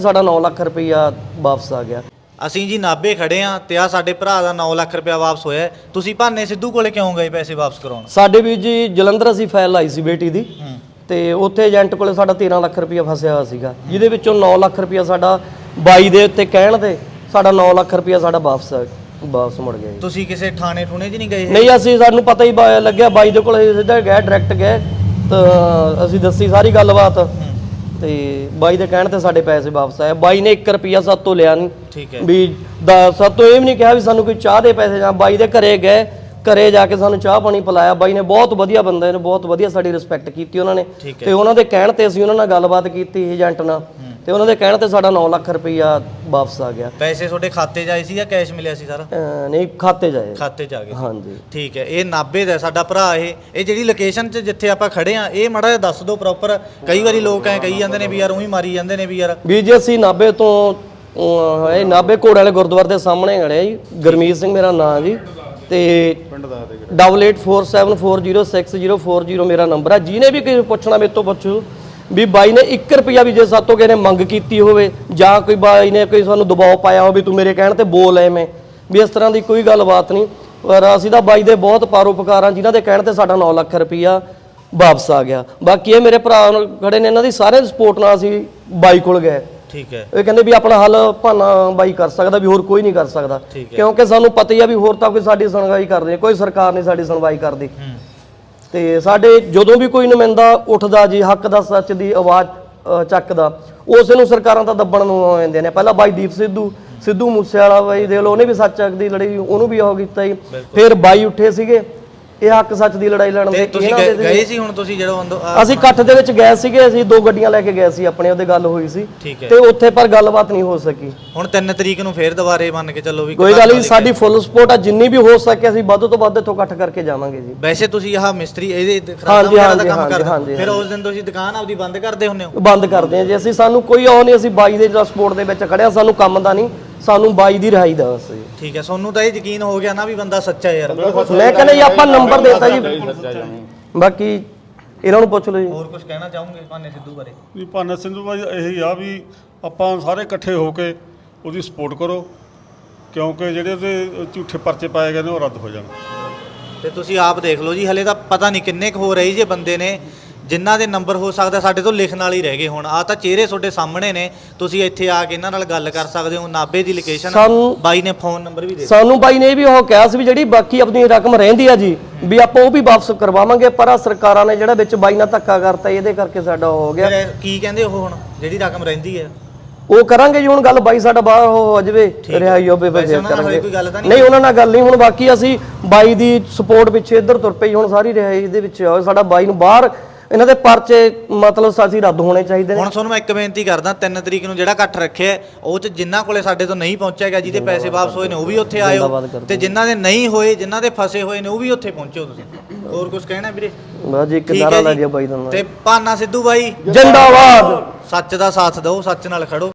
ਸਾਡਾ 9 ਲੱਖ ਰੁਪਈਆ ਵਾਪਸ ਆ ਗਿਆ। ਅਸੀਂ ਜੀ ਨਾਭੇ ਖੜੇ ਆ ਤੇ ਆ ਸਾਡੇ ਭਰਾ ਦਾ 9 ਲੱਖ ਰੁਪਇਆ ਵਾਪਸ ਹੋਇਆ। ਤੁਸੀਂ ਭਾਨੇ ਸਿੱਧੂ ਕੋਲੇ ਕਿਉਂ ਗਏ ਪੈਸੇ ਵਾਪਸ ਕਰਾਉਣ? ਸਾਡੇ ਵੀ ਜੀ ਜਲੰਧਰ ਅਸੀਂ ਫਾਈਲ ਲਾਈ ਸੀ ਬੇਟੀ ਦੀ ਤੇ ਉੱਥੇ ਏਜੰਟ ਕੋਲੇ ਸਾਡਾ 13 ਲੱਖ ਰੁਪਈਆ ਫਸਿਆ ਹੋਇਆ ਸੀਗਾ, ਜਿਹਦੇ ਵਿੱਚੋਂ 9 ਲੱਖ ਰੁਪਈਆ ਸਾਡਾ ਬਾਈ ਦੇ ਉੱਤੇ ਕਹਿਣ ਤੇ ਸਾਡਾ 9 ਲੱਖ ਰੁਪਈਆ ਸਾਡਾ ਵਾਪਸ ਮੁੜ ਗਿਆ ਜੀ। ਤੁਸੀਂ ਕਿਸੇ ਥਾਣੇ ਠੂਣੇ 'ਚ ਨਹੀਂ ਗਏ? ਨਹੀਂ, ਅਸੀਂ ਸਾਨੂੰ ਪਤਾ ਹੀ ਲੱਗਿਆ ਬਾਈ ਦੇ ਕੋਲ ਸਿੱਧਾ ਗਏ, ਡਾਇਰੈਕਟ ਗਏ ਤਾਂ ਅਸੀਂ ਦੱਸੀ ਸਾਰੀ ਗੱਲਬਾਤ ਤੇ ਬਾਈ ਦੇ ਕਹਿਣ ਤੇ ਸਾਡੇ ਪੈਸੇ ਵਾਪਸ ਆਏ। ਬਾਈ ਨੇ 1 ਰੁਪਿਆ ਸਾਤੋਂ ਲਿਆ ਨਹੀਂ, ਠੀਕ ਹੈ ਵੀ ਸਾਤੋਂ ਇਹ ਵੀ ਨਹੀਂ ਕਿਹਾ ਵੀ ਸਾਨੂੰ ਕੋਈ ਚਾਹ ਦੇ ਪੈਸੇ। ਜਾਂ ਬਾਈ ਦੇ ਘਰੇ ਗਏ, ਘਰੇ ਜਾ ਕੇ ਸਾਨੂੰ ਚਾਹ ਪਾਣੀ ਪਿਲਾਇਆ। ਬਾਈ ਨੇ ਬਹੁਤ ਵਧੀਆ ਬੰਦੇ ਨੇ, ਬਹੁਤ ਵਧੀਆ ਸਾਡੀ ਰਿਸਪੈਕਟ ਕੀਤੀ ਉਹਨਾਂ ਨੇ ਤੇ ਉਹਨਾਂ ਦੇ ਕਹਿਣ ਤੇ ਅਸੀਂ ਉਹਨਾਂ ਨਾਲ ਗੱਲਬਾਤ ਕੀਤੀ ਏਜੰਟ ਨਾਲ ਤੇ ਉਹਨਾਂ ਦੇ ਕਹਿਣ ਤੇ ਸਾਡਾ 9 ਲੱਖ ਰੁਪਈਆ ਵਾਪਸ ਆ ਗਿਆ। ਪੈਸੇ ਤੁਹਾਡੇ ਖਾਤੇ 'ਚ ਆਏ ਸੀ ਜਾਂ ਕੈਸ਼ ਮਿਲਿਆ ਸੀ ਸਾਰਾ? ਨਹੀਂ, ਖਾਤੇ 'ਚ ਆਏ। ਖਾਤੇ 'ਚ ਆ ਗਏ, ਹਾਂਜੀ ਠੀਕ ਹੈ। ਇਹ ਨਾਭੇ ਦਾ ਸਾਡਾ ਭਰਾ। ਇਹ ਜਿਹੜੀ ਲੋਕੇਸ਼ਨ 'ਚ ਜਿੱਥੇ ਆਪਾਂ ਖੜੇ ਆ ਇਹ ਮਾੜਾ ਜਿਹਾ ਦੱਸ ਦਿਓ ਪ੍ਰੋਪਰ। ਕਈ ਵਾਰੀ ਲੋਕ ਐ ਕਹੀ ਜਾਂਦੇ ਨੇ ਵੀ ਯਾਰ ਉਹੀ ਮਾਰੀ ਜਾਂਦੇ ਨੇ ਵੀ ਯਾਰ। ਵੀ ਜੀ ਅਸੀਂ ਨਾਭੇ ਤੋਂ ਇਹ ਨਾਭੇ ਘੋੜੇ ਵਾਲੇ ਗੁਰਦੁਆਰੇ ਦੇ ਸਾਹਮਣੇ ਖੜੇ ਜੀ। ਗੁਰਮੀਤ ਸਿੰਘ ਮੇਰਾ ਨਾਮ ਜੀ ਤੇ 8847406040 ਮੇਰਾ ਨੰਬਰ ਹੈ। ਜਿਹਨੇ ਵੀ ਕਿਸੇ ਪੁੱਛਣਾ ਮੇਰੇ ਤੋਂ ਪੁੱਛੋ ਵੀ ਬਾਈ ਨੇ 1 ਰੁਪਿਆ ਵੀ ਜੇ ਸਾਤੋਂ ਕਿਸੇ ਨੇ ਮੰਗ ਕੀਤੀ ਹੋਵੇ ਜਾਂ ਕੋਈ ਬਾਈ ਨੇ ਕੋਈ ਸਾਨੂੰ ਦਬਾਅ ਪਾਇਆ ਹੋਵੇ ਤੂੰ ਮੇਰੇ ਕਹਿਣ ਤੇ ਬੋਲ ਐਵੇਂ, ਵੀ ਇਸ ਤਰ੍ਹਾਂ ਦੀ ਕੋਈ ਗੱਲਬਾਤ ਨਹੀਂ। ਪਰ ਅਸੀਂ ਤਾਂ ਬਾਈ ਦੇ ਬਹੁਤ ਪਰਉਪਕਾਰ ਹਾਂ ਜਿਨ੍ਹਾਂ ਦੇ ਕਹਿਣ ਤੇ ਸਾਡਾ 9 ਲੱਖ ਰੁਪਿਆ ਵਾਪਸ ਆ ਗਿਆ। ਬਾਕੀ ਇਹ ਮੇਰੇ ਭਰਾ ਖੜੇ ਨੇ, ਇਹਨਾਂ ਦੀ ਸਾਰੇ ਸਪੋਰਟ ਨਾਲ ਅਸੀਂ ਬਾਈ ਕੋਲ ਗਏ। ਠੀਕ ਹੈ, ਇਹ ਕਹਿੰਦੇ ਵੀ ਆਪਣਾ ਹੱਲ ਭਾਨਾ ਬਾਈ ਕਰ ਸਕਦਾ, ਵੀ ਹੋਰ ਕੋਈ ਨਹੀਂ ਕਰ ਸਕਦਾ, ਕਿਉਂਕਿ ਸਾਨੂੰ ਪਤਾ ਹੀ ਆ ਵੀ ਹੋਰ ਤਾਂ ਕੋਈ ਸਾਡੀ ਸੁਣਵਾਈ ਕਰਦੇ, ਕੋਈ ਸਰਕਾਰ ਨਹੀਂ ਸਾਡੀ ਸੁਣਵਾਈ ਕਰਦੀ। ਤੇ ਸਾਡੇ ਜਦੋਂ ਵੀ ਕੋਈ ਨੁਮਾਇੰਦਾ ਉੱਠਦਾ ਜੀ ਹੱਕ ਦਾ ਸੱਚ ਦੀ ਆਵਾਜ਼ ਚੱਕਦਾ, ਉਸੇ ਨੂੰ ਸਰਕਾਰਾਂ ਤਾਂ ਦੱਬਣ ਨੂੰ ਆ ਜਾਂਦੇ ਨੇ। ਪਹਿਲਾਂ ਬਾਈ ਦੀਪ ਸਿੱਧੂ ਮੂਸੇਵਾਲਾ ਬਾਈ ਦੇਖ ਲਓ, ਉਹਨੇ ਵੀ ਸੱਚ ਦੀ ਲੜਾਈ, ਉਹਨੂੰ ਵੀ ਉਹ ਕੀਤਾ ਜੀ। ਫਿਰ ਬਾਈ ਉੱਠੇ ਸੀਗੇ ਇਹ ਹੱਕ ਸੱਚ ਦੀ ਲੜਾਈ ਲੜਨ ਦੇ। ਤੁਸੀਂ ਗਏ ਸੀ ਹੁਣ ਤੁਸੀਂ ਜਦੋਂ ਅਸੀਂ ਇਕੱਠ ਦੇ ਵਿੱਚ ਗਏ ਸੀਗੇ, ਅਸੀਂ 2 ਗੱਡੀਆਂ ਲੈ ਕੇ ਗਏ ਸੀ ਆਪਣੇ, ਉਹਦੇ ਗੱਲ ਹੋਈ ਸੀ ਤੇ ਉੱਥੇ ਪਰ ਗੱਲਬਾਤ ਨਹੀਂ ਹੋ ਸਕੀ। ਹੁਣ 3 ਤਰੀਕ ਨੂੰ ਫੇਰ ਦੁਬਾਰੇ ਮੰਨ ਕੇ ਚੱਲੋ ਵੀ ਕੋਈ ਗੱਲ ਨਹੀਂ, ਸਾਡੀ ਫੁੱਲ ਸਪੋਰਟ ਆ, ਜਿੰਨੀ ਵੀ ਹੋ ਸਕੇ ਅਸੀਂ ਵੱਧ ਤੋਂ ਵੱਧ ਇੱਥੋਂ ਇਕੱਠ ਕਰਕੇ ਜਾਵਾਂਗੇ ਜੀ। ਵੈਸੇ ਤੁਸੀਂ ਆਹ ਮਿਸਤਰੀ ਇਹਦੇ ਖਰਾਬ ਦਾ ਕੰਮ ਕਰਦੇ, ਫਿਰ ਉਸ ਦਿਨ ਤੁਸੀਂ ਦੁਕਾਨ ਆਪਦੀ ਬੰਦ ਕਰਦੇ ਹੁੰਦੇ ਹੋ? ਬੰਦ ਕਰਦੇ ਆ ਜੀ ਅਸੀਂ, ਸਾਨੂੰ ਕੋਈ ਉਹ ਨਹੀਂ, ਅਸੀਂ ਬਾਈ ਦੇ ਜਿਹੜਾ ਸਪੋਰਟ ਦੇ ਵਿੱਚ ਖੜਿਆ, ਸਾਨੂੰ ਕੰਮ ਦਾ ਨਹੀਂ, ਸਾਨੂੰ ਬਾਈ ਦੀ ਰਿਹਾਈ ਦਾ ਬਸ ਜੀ। ਠੀਕ ਹੈ, ਤੁਹਾਨੂੰ ਤਾਂ ਇਹ ਯਕੀਨ ਹੋ ਗਿਆ ਨਾ ਵੀ ਬੰਦਾ ਸੱਚਾ ਯਾਰ। ਮੈਂ ਕਹਿੰਦਾ ਜੀ ਆਪਾਂ ਨੰਬਰ ਦੇਤਾ ਜੀ, ਬਾਕੀ ਇਹਨਾਂ ਨੂੰ ਪੁੱਛ ਲਓ ਜੀ। ਹੋਰ ਕੁਝ ਕਹਿਣਾ ਚਾਹੋਗੇ ਭਾਨੇ ਸਿੱਧੂ ਬਾਰੇ? ਵੀ ਭਾਨੇ ਸਿੱਧੂ ਬਾਈ ਇਹੀ ਆ ਵੀ ਆਪਾਂ ਸਾਰੇ ਇਕੱਠੇ ਹੋ ਕੇ ਉਹਦੀ ਸਪੋਰਟ ਕਰੋ, ਕਿਉਂਕਿ ਜਿਹੜੇ ਉਹਦੇ ਝੂਠੇ ਪਰਚੇ ਪਾਏ ਗਏ ਨੇ ਉਹ ਰੱਦ ਹੋ ਜਾਣ। ਤੇ ਤੁਸੀਂ ਆਪ ਦੇਖ ਲਓ ਜੀ, ਹਲੇ ਤਾਂ ਪਤਾ ਨਹੀਂ ਕਿੰਨੇ ਕੁ ਹੋ ਰਹੀ ਜੇ ਬੰਦੇ ਨੇ ਜਿਨ੍ਹਾਂ ਦੇ ਨੰਬਰ ਹੋ ਸਕਦਾ ਸਾਡੇ ਤੋਂ ਲਿਖਣ ਵਾਲੇ ਹੀ ਰਹਿ ਗਏ। ਹੁਣ ਆ ਤਾਂ ਚਿਹਰੇ ਤੁਹਾਡੇ ਸਾਹਮਣੇ ਨੇ, ਤੁਸੀਂ ਇੱਥੇ ਆ ਕੇ ਇਹਨਾਂ ਨਾਲ ਗੱਲ ਕਰ ਸਕਦੇ ਹੋ। ਨਾਭੇ ਦੀ ਲੋਕੇਸ਼ਨ, ਬਾਈ ਨੇ ਫੋਨ ਨੰਬਰ ਵੀ ਦੇ ਸਾਨੂੰ ਬਾਈ ਨੇ ਵੀ ਉਹ ਕਿਹਾ ਸੀ ਵੀ ਜਿਹੜੀ ਬਾਕੀ ਆਪਣੀ ਰਕਮ ਰਹਿੰਦੀ ਆ ਜੀ ਵੀ ਆਪਾਂ ਉਹ ਵੀ ਵਾਪਸ ਕਰਵਾਵਾਂਗੇ, ਪਰ ਆ ਸਰਕਾਰਾਂ ਨੇ ਜਿਹੜਾ ਵਿੱਚ ਬਾਈ ਨਾਲ ਧੱਕਾ ਕਰਤਾ, ਇਹਦੇ ਕਰਕੇ ਸਾਡਾ ਹੋ ਗਿਆ। ਕੀ ਕਹਿੰਦੇ ਉਹ ਹੁਣ ਜਿਹੜੀ ਰਕਮ ਰਹਿੰਦੀ ਹੈ ਉਹ ਕਰਾਂਗੇ ਜੀ ਹੁਣ ਗੱਲ, ਬਾਈ ਸਾਡਾ ਬਾਹਰ ਹੋ ਜਾਵੇ, ਰਿਹਾਈ ਹੋਵੇ, ਫਿਰ ਕਰਾਂਗੇ। ਨਹੀਂ, ਉਹਨਾਂ ਨਾਲ ਗੱਲ ਨਹੀਂ ਹੁਣ। ਬਾਕੀ ਅਸੀਂ ਬਾਈ ਦੀ ਸਪੋਰਟ ਪਿੱਛੇ ਇੱਧਰ ਤੁਰ ਪਈ, ਹੁਣ ਸਾਰੀ ਰਿਹਾਈ ਦੇ ਵਿੱਚ ਸਾਡਾ ਬਾਈ ਨੂੰ ਬਾਹਰ ਇਹਨਾਂ ਦੇ ਪਰਚੇ ਮਤਲਬ ਅਸੀਂ ਰੱਦ ਹੋਣੇ ਚਾਹੀਦੇ ਨੇ। ਹੁਣ ਤੁਹਾਨੂੰ ਮੈਂ ਇੱਕ ਬੇਨਤੀ ਕਰਦਾ, 3 ਤਰੀਕ ਨੂੰ ਜਿਹੜਾ ਇਕੱਠ ਰੱਖਿਆ ਉਹ ਚ ਜਿਨ੍ਹਾਂ ਕੋਲੇ ਸਾਡੇ ਤੋਂ ਨਹੀਂ ਪਹੁੰਚਿਆ ਗਿਆ, ਜਿਹਦੇ ਪੈਸੇ ਵਾਪਸ ਹੋਏ ਨੇ ਉਹ ਵੀ ਉੱਥੇ ਆਇਓ, ਤੇ ਜਿਨ੍ਹਾਂ ਦੇ ਨਹੀਂ ਹੋਏ, ਜਿਨ੍ਹਾਂ ਦੇ ਫਸੇ ਹੋਏ ਨੇ ਉਹ ਵੀ ਉੱਥੇ ਪਹੁੰਚੋ। ਤੁਸੀਂ ਹੋਰ ਕੁਝ ਕਹਿਣਾ ਵੀਰੇ? ਬਸ ਜੀ, ਇੱਕ ਨਾਰਾ ਲਾ ਦਿਓ ਬਾਈ ਦਾ। ਤੇ ਭਾਨਾ ਸਿੱਧੂ ਬਾਈ ਜਿੰਦਾਬਾਦ। ਸੱਚ ਦਾ ਸਾਥ ਦਿਓ, ਸੱਚ ਨਾਲ ਖੜੋ।